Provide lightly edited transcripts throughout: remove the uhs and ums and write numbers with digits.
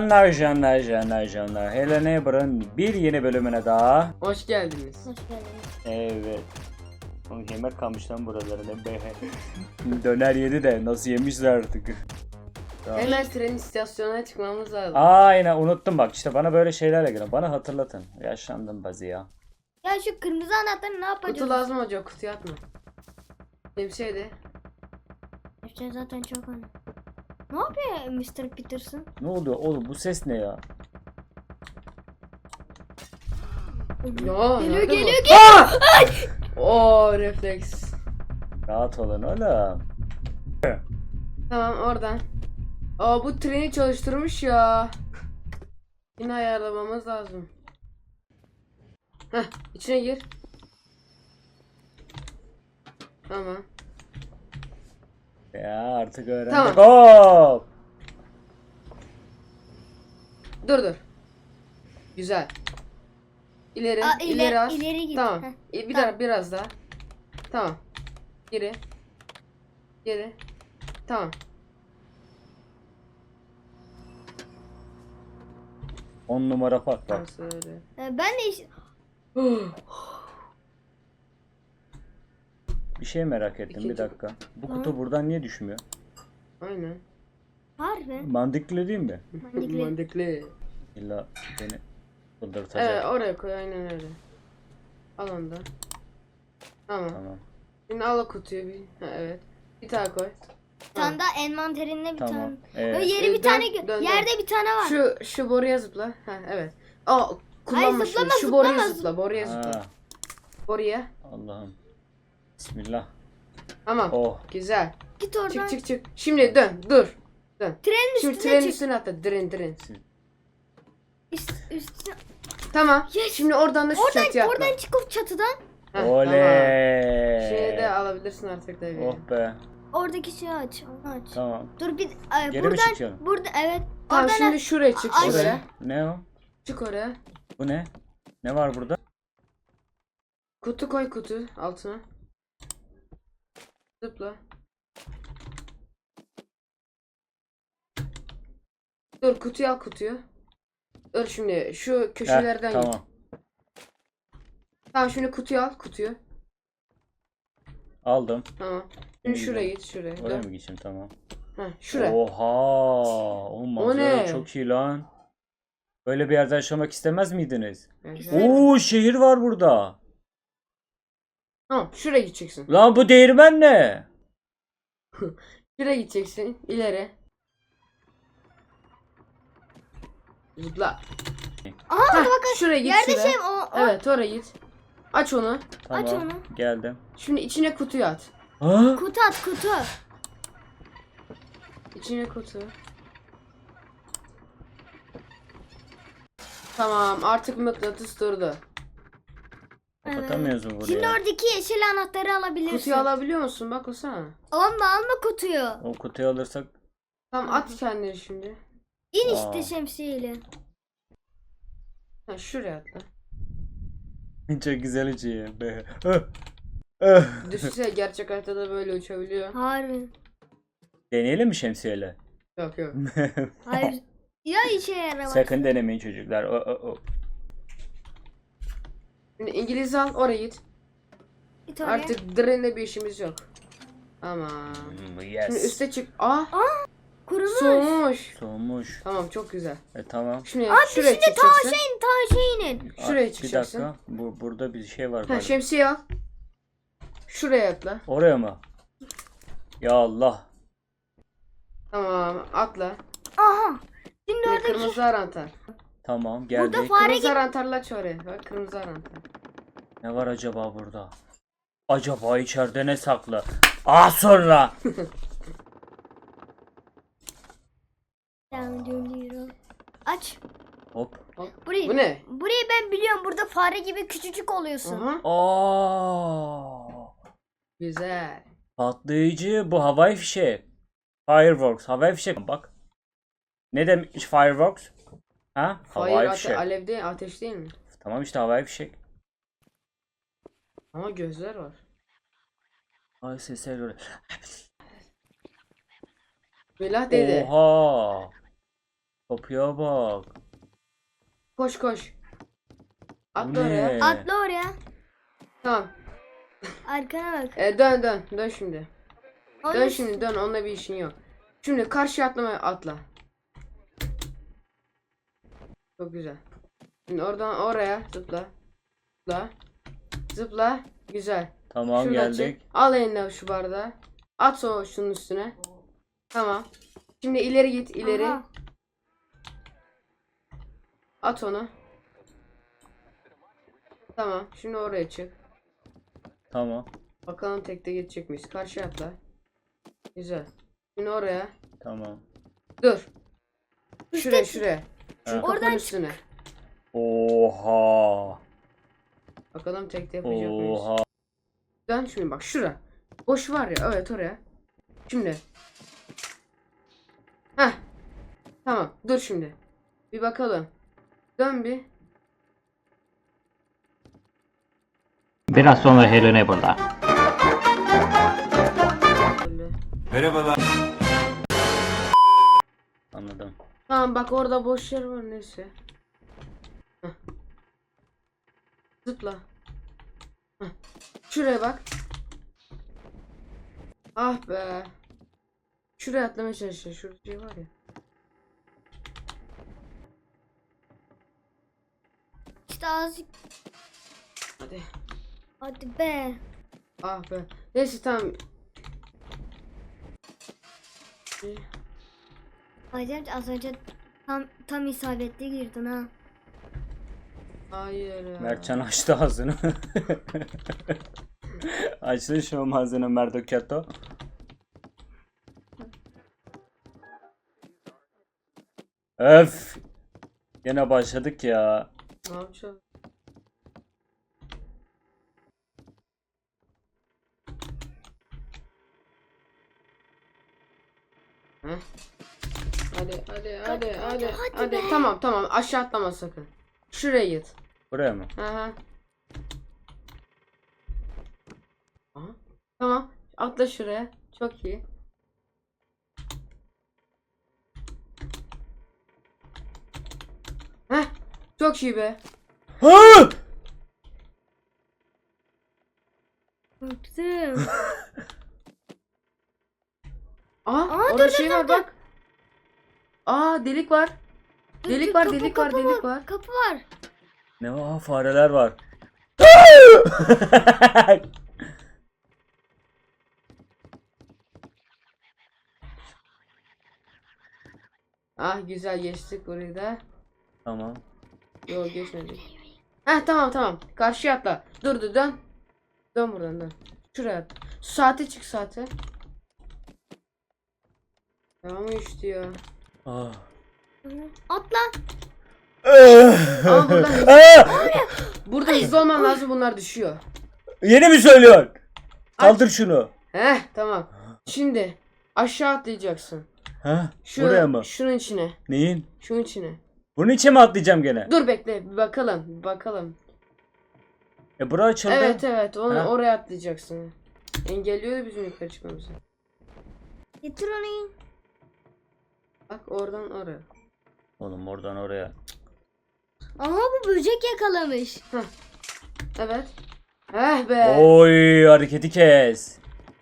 Canlar. Hello Neighbor'ın bir yeni bölümüne daha. Hoş geldiniz. Hoş geldiniz. Evet. Oğlum yemek kalmış lan buralarına be. Döner yedi de nasıl yemişler artık. Tamam. Hemen tren istasyonuna çıkmamız lazım. Aynen unuttum bak işte bana böyle şeylerle gelin. Bana hatırlatın. Yaşlandım bazı ya. Ya şu kırmızı anahtarı ne yapacağız? Kutu lazım hoca, kutuya atma. Ne bir şeydi? İşte zaten çok önemli. Ne yapıyor Mr. Peterson? Ne oluyor oğlum bu ses ne ya? Ya, Geliyor nerede bu? geliyor. Oo, refleks. Rahat olun oğlum. Tamam, oradan. Aa, bu treni çalıştırmış ya. Yine ayarlamamız lazım. Heh, içine gir. Tamam. Ya artık öğrendik. Tamam. Hop. Dur. Güzel. İleri, Aa, ileri az. ileri git. Tamam. Heh, Bir tamam. daha, biraz daha. Tamam. Geri. Tamam. 10 numara park bak. Nasıl öyle? Ben de Bir şey merak ettim bir İkinci- dakika. Bu kutu buradan niye düşmüyor? Aynen. harbi. Mantıklı değil mi? Mantıklı. Mantıklı. İlla beni çıldırtacak. Evet, oraya koy, aynen öyle. Al onu da. Tamam. Tamam. Şimdi al o kutuyu bir. Ha, evet. Bir tane koy. Bir tane daha envanterinde bir Tamam. tane. Evet. Yeri bir Dön, tane dön. yerde bir tane var. Şu boruya zıpla. Ha, evet. Aa, kullanma şunu. zıplama, Şu boruya zıplama. zıpla. Boruya zıpla. Ha, Boruya. Allah'ım. Bismillah. Tamam. Oh. Güzel. Git oradan. Çık. Şimdi dön. Dur. Dön. Trenin Şimdi üstüne trenin çık. üstüne atla. Tren. Üstüne. Tamam. Yes. Şimdi oradan da şu çatıya atla. Oradan çıkıp çatıdan Heh, Oley. Tamam. Şeyi de alabilirsin artık tabii. Oh be. oradaki şeyi aç. Onu aç. Tamam. Dur bir Geri mi buradan çıkıyorum? burada evet. Tamam, Oradan şimdi şuraya çık. Ay. Şuraya. Ne o? Çık oraya. Bu ne? Ne var burada? Kutu koy, kutu altına. Zıpla. Dur, kutuyu al, kutuyu. Dur, şimdi şu köşelerden Heh, git. tamam. Tamam, şimdi kutuyu al, kutuyu. Aldım. Tamam. Şimdi İyi, şuraya güzel. git, şuraya. Oraya Dön. mı geçeyim tamam. Heh, şuraya. Oha. O manzara ne? çok iyi lan. Böyle bir yerde yaşamak istemez miydiniz? Evet. Oo şehir var burada. Tamam, şuraya gideceksin. Lan bu değirmen ne? Şuraya gideceksin, ileri. Zıpla. Aha Heh, şuraya git, yerde şuraya. şey o. Evet, oraya git. Aç onu. Tamam. Aç onu. Geldim. Şimdi içine kutuyu at. Ha? Kutu at kutu. İçine kutu. Tamam, artık mıknatıs durdu. Kapatamıyoruz mu buraya? Şimdi oradaki yeşil anahtarı alabilirsin. Kutuyu alabiliyor musun? Bak o sana. Alma kutuyu. O kutuyu alırsak Tamam, at kendini şimdi. İn Aa. işte şemsiyeyle. Ha, şuraya atla. çok güzel uçuyor be. Düşünsene, gerçek hayatta da böyle uçabiliyor. Harbi. Deneyelim mi şemsiyeyle? Yok. Hayır. Ya işe yaramaz. Sakın denemeyin çocuklar. O. Şimdi İngiliz al, oraya git. Git oraya. Artık trenle bir işimiz yok. Tamam. Şimdi Yes. üste çık. Aa, Kurumuş. soğumuş. Soğumuş. Tamam, çok güzel. Tamam. Şimdi Abi şuraya şimdi ta çıkacaksın. şeyinin. Şuraya Bir çıkacaksın. dakika. Burada bir şey var. Ha, galiba. şemsiye al. Şuraya atla. Oraya mı? Ya Allah. Tamam, atla. Aha. Şimdi Şimdi oradaki kırmızı anahtar. Tamam geldik. Burada fare Kırmızı gibi. anahtarla aç oraya. Bak, kırmızı anahtar. Ne var acaba burada? Acaba içeride ne saklı? Az sonra. Aç. Hop. Burayı. Bu ne? Burayı ben biliyorum. Burada fare gibi küçücük oluyorsun. Aha. Aa. Güzel. Patlayıcı bu havai fişek. Fireworks. Havai fişek. Bak. Ne demek fireworks? Ha? Hayır, Havai fişek. alev değil, ateş değil mi? Tamam işte havai fişek. Ama gözler var. Ay sesler göre. Billah dedi. Oha. Kapıya bak. Koş koş. Bu Atla oraya. ne? Atla oraya. Tamam. Arkana bak. Dön şimdi. Onun Dön şimdi dön, onunla bir işin yok. Şimdi karşıya atla. Çok güzel. Şimdi oradan oraya zıpla. Zıpla. Zıpla. Güzel. Tamam Şuradan geldik. çek. Al eline şu bardağı. At o şunun üstüne. Tamam. Şimdi ileri git, ileri. Aha. At onu. Tamam. Şimdi oraya çık. Tamam. Bakalım tekte geçecek miyiz? Karşıya atla. Güzel. Şimdi oraya. Tamam. Dur. Şuraya. Şu Ha. kapının Oradan üstüne. Oha. Bakalım tekte yapacak mıyız? Oha. Dön şimdi bak şura. Boş var ya, evet oraya. Şimdi. Heh. Tamam, dur şimdi. Bir bakalım. Dön bir. Biraz sonra Helena burada. Böyle. Anladım. Tamam bak, orada boş yer var, neyse. Heh. Zıpla. Heh. Şuraya bak. Ah be. Şuraya atlamaya çalışıyor. Şurada şey var ya. İşte azıcık. Hadi. Hadi be. Ah be. Neyse tamam. Acayip az önce tam isabetli girdin ha. Hayır ya. Mertcan açtı ağzını. Açtı şu ağzını Merdokato. Öf. Yine başladık ya. Ne yapacağız? Heh. Hadi. Tamam, aşağı atlama sakın. Şuraya git. Buraya mı? Aha. Aha. Tamam, atla şuraya. Çok iyi. Heh. Çok iyi be. Ha! Korktum. Aa, Aa, orada dur, şey dur, var dur. bak. Aa, delik var. Delik var, Kapı, delik kapı var, delik var. Kapı var. Ne var? Fareler var. Ah, güzel geçtik burayı da. Tamam. Yok, geçmedik. Heh, tamam. Karşıya atla. Dur, dön. Dön buradan, dön. Şuraya at. Saate çık, saate. Tamam işte ya. Ah. Atla. Ama buradan Ah! burada hızlı olman lazım, bunlar düşüyor. Yeni mi söylüyorsun? Kaldır şunu. Heh, tamam. Şimdi aşağı atlayacaksın. Ha? Buraya mı? Şunun içine. Neyin? Şunun içine. Bunun içe mi atlayacağım gene? Dur bekle, bir bakalım. Bura açıldı. Evet, onu Ha? oraya atlayacaksın. Engelliyor bizim yukarı çıkmamızı. Getir onu. Bak, oradan oraya. Oğlum oradan oraya. Aha, bu böcek yakalamış. Evet. Heh be. Oy hareketi kes.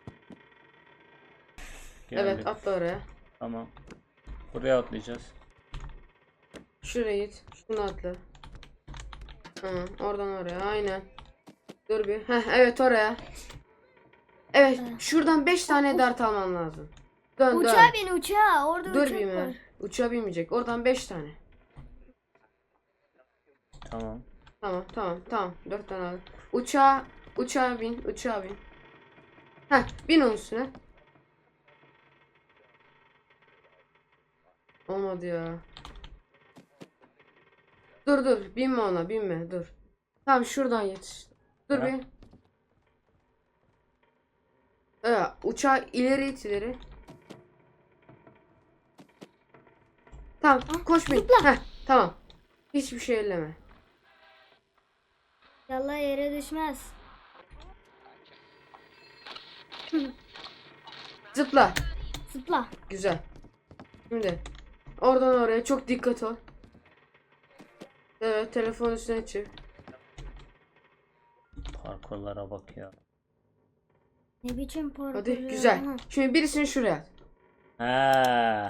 Evet, Geldik. atla oraya. Tamam. Buraya atlayacağız. Şuraya git. Şunu atla. Oradan oraya. Aynen. Dur bir. Heh, evet oraya. Evet. Şuradan 5 tane dart alman lazım. Dön. Uçağa bin, uçağa. Orada Dur uçak bir var. mi? Uçağa binmeyecek. Oradan 5 tane. Tamam. Tamam. 4 tane al. Uçağa bin. Heh, bin onun üstüne. Olmadı ya. Dur. Binme. Dur. Tamam, şuradan yetiş. Dur Ha? bir. Uçağı ileri. Tamam, koş bin. Heh, tamam. Hiçbir şey elleme. Yallah, yere düşmez. Zıpla. Zıpla. Güzel. Şimdi Oradan oraya çok dikkat ol. Evet, telefon üstüne çık. Parkurlara bak ya. Ne biçim parkur Hadi ya? güzel. Aha. Şimdi birisini şuraya at. He.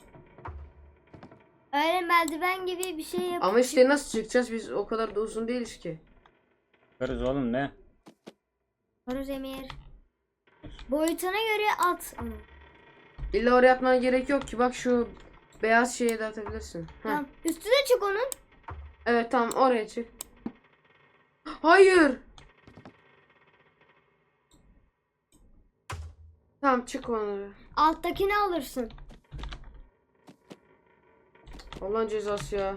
Öyle merdiven gibi bir şey yap. Ama işte nasıl çıkacağız? Biz o kadar da uzun değiliz ki. Yaparız oğlum ne? Horuz Emir. Boyutuna göre at. Ama. İlla oraya atmana gerek yok ki. Bak şu beyaz şeye de atabilirsin. Heh. Tamam. Üstüne çık onun. Evet tamam, oraya çık. Hayır. Tamam, çık onları. Alttakini alırsın. Allah'ın cezası ya.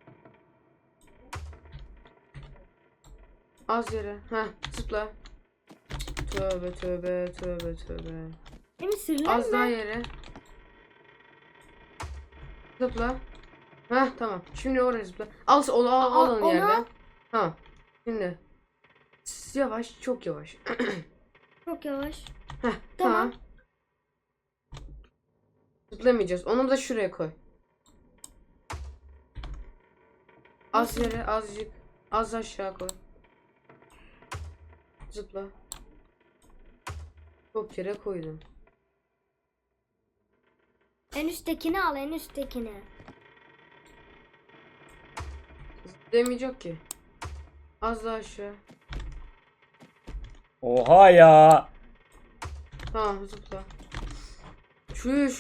Az yere. Heh, zıpla. Tövbe tövbe tövbe tövbe. Değil mi? Sırlar Az daha mı? yere. Zıpla. Heh, tamam. Şimdi oraya zıpla. Al onu onu yerden. al. Tamam. Şimdi. Yavaş, çok yavaş. Çok yavaş. Heh, Tamam. tamam. Zıplamayacağız. Onu da şuraya koy. Az yere, azıcık. Az aşağı koy. Zıpla. Çok yere koydum. En üsttekini al, en üsttekini. Demeyecek ki. Az daha aşağı. Oha ya. Tamam, zıpla. Çüş.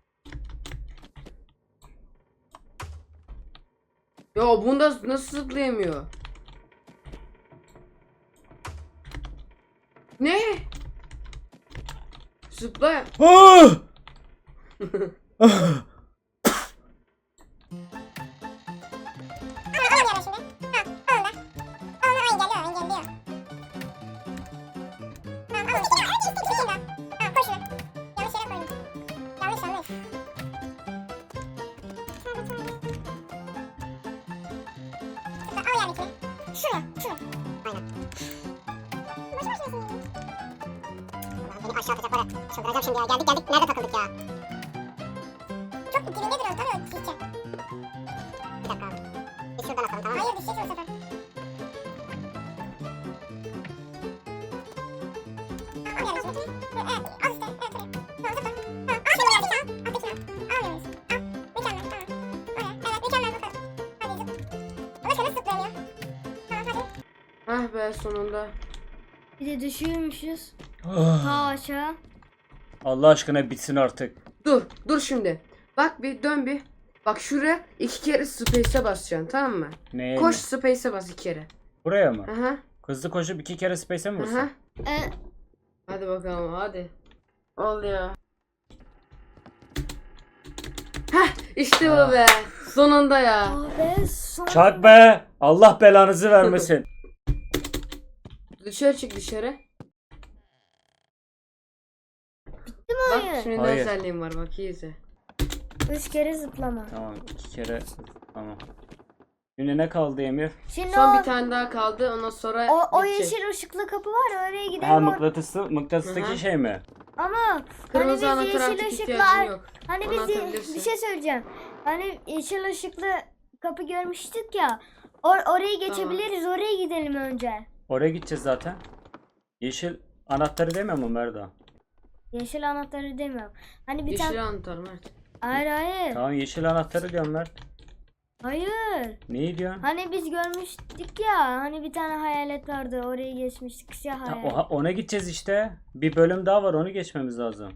Ya bunda nasıl zıplayamıyor? Ne? Zıpla. Ah! Beni aşağı atacak var ya. Çıldıracağım şimdi ya. Geldik. Nerede takıldık ya? Çok dibinde duruyoruz. Tabii düşecek. Bir dakika abi. Biz şuradan atalım, tamam mı? Hayır, düşecek o sefer. Al yani şimdi. Evet. Al işte. Evet. Tamam, zıpla. Tamam. Al şimdi geldik. Al. Alttakini al. Almıyor musun? Al. Mükemmel. Tamam. Oraya. Evet. Mükemmel bakalım. Hadi zıpla. Ulaşa nasıl zıplayamıyor? Tamam hadi. Ah be, sonunda. Bir de düşüyormuşuz. Ah. Ta aşağı. Allah aşkına bitsin artık. Dur şimdi. Bak bir dön bir. Bak şuraya 2 kere space'e basacaksın, tamam mı? Neye? Koş, space'e bas 2 kere. Buraya mı? Aha. Hızlı koşup 2 kere space'e mi Aha. vursun? Hadi bakalım, hadi. Ol ya. Heh, işte bu be. Sonunda ya. Abi son. Çak be! Allah belanızı vermesin. Dışarı çık, dışarı. Değil mi Bak oyun? şimdi ne Hayır. özelliğim var, bak iyi izle. 3 kere zıplama. Tamam 2 kere. Tamam. Şimdi ne kaldı Emir? Şimdi Son bir tane daha kaldı, ondan sonra o bitecek. yeşil ışıklı kapı var ya, oraya gidelim. Ha mıknatıstaki Hı-hı. şey mi? Ama Kırmızı hani biz anahtar yeşil artık ışıklı ihtiyacın yok. hani Onu biz atabilirsin. bir şey söyleyeceğim. Hani yeşil ışıklı kapı görmüştük ya. Orayı geçebiliriz. Oraya gidelim önce. Oraya gideceğiz zaten. Yeşil anahtarı demiyor mu Merda? Yeşil anahtarı demiyorum. Hani bir Yeşil tane anahtar Mert. hayır. Tamam yeşil anahtarı diyorum Mert. Hayır. Neyi diyorsun? Hani biz görmüştük ya. Hani bir tane hayalet vardı. Oraya geçmiştik. Siyah Ha, hayalet. ona gideceğiz işte. Bir bölüm daha var onu geçmemiz lazım.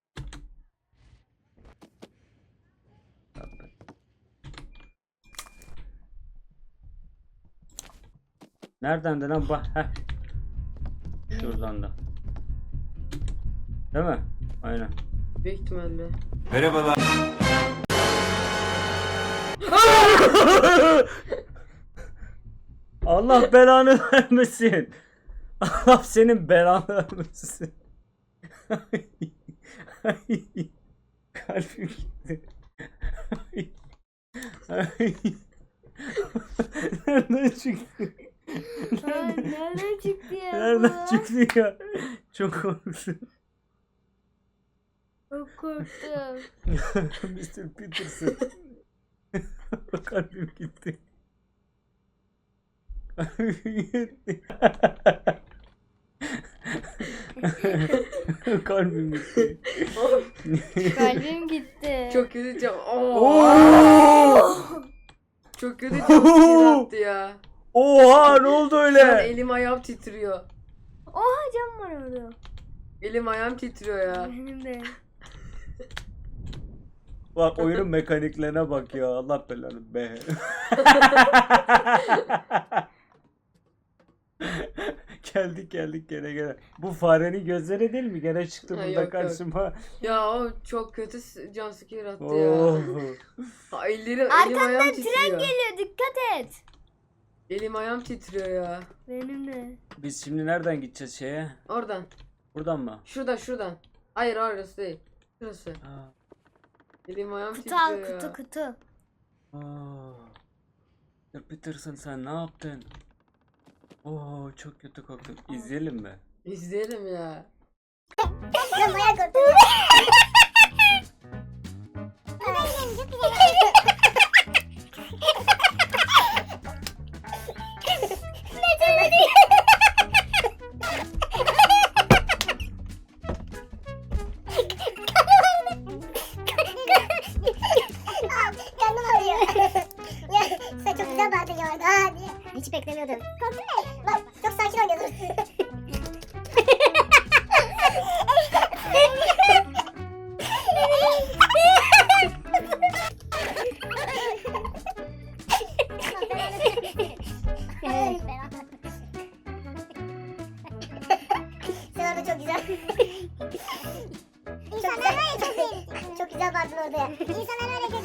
Nereden de lan bak. Heh. Şuradan da. Değil mi? Aynen. Büyük ihtimalle. Merhabalar. Allah belanı vermesin. Allah senin belanı vermesin. Kalbim gitti. Nereden çıktı? Ay, nereden çıktı ya? Nereden bu? çıktı ya? Çok korktum. Çok korktum. Mr. Peterson. Kalbim gitti. Kalbim gitti. Kalbim gitti. Çok kötü cam. Oo! Çok kötü cam attı ya. Oha ne oldu Şu an öyle? elim ayağım titriyor. Oha cam var orada. Elim ayağım titriyor ya. Benim de. Bak oyunun mekaniklerine bak ya. Allah belanı be. geldik gene. Bu farenin gözleri değil mi? Gene çıktı Ha, burada yok. karşıma. Ya o çok kötü jumpscare attı Oh. ya. Ha, elim ayağım Arkandan titriyor. tren geliyor, dikkat et. Elim ayağım titriyor ya. Benim de. Biz şimdi nereden gideceğiz şeye? Oradan. Buradan mı? Şuradan. Hayır orası değil. Şurası. Ha. Elim ayağım Kutu titriyor al, ya. kutu. Aa. Ya Peterson sen ne yaptın? Oo çok kötü koktu. İzleyelim mi? İzleyelim ya. Ben bayağı korktum. Güzel gidelim, çok güzel. Karnım ağrıyor. Ya sen çok güzel bağırdın ya orada. Ha diye. Hiç beklemiyordum. Korktun mu? Bak çok sakin oynuyordun. Sen orada çok güzel. İnsanlar var ya çok beğendim. Çok güzel bağırdın orada ya. İnsanlar öyle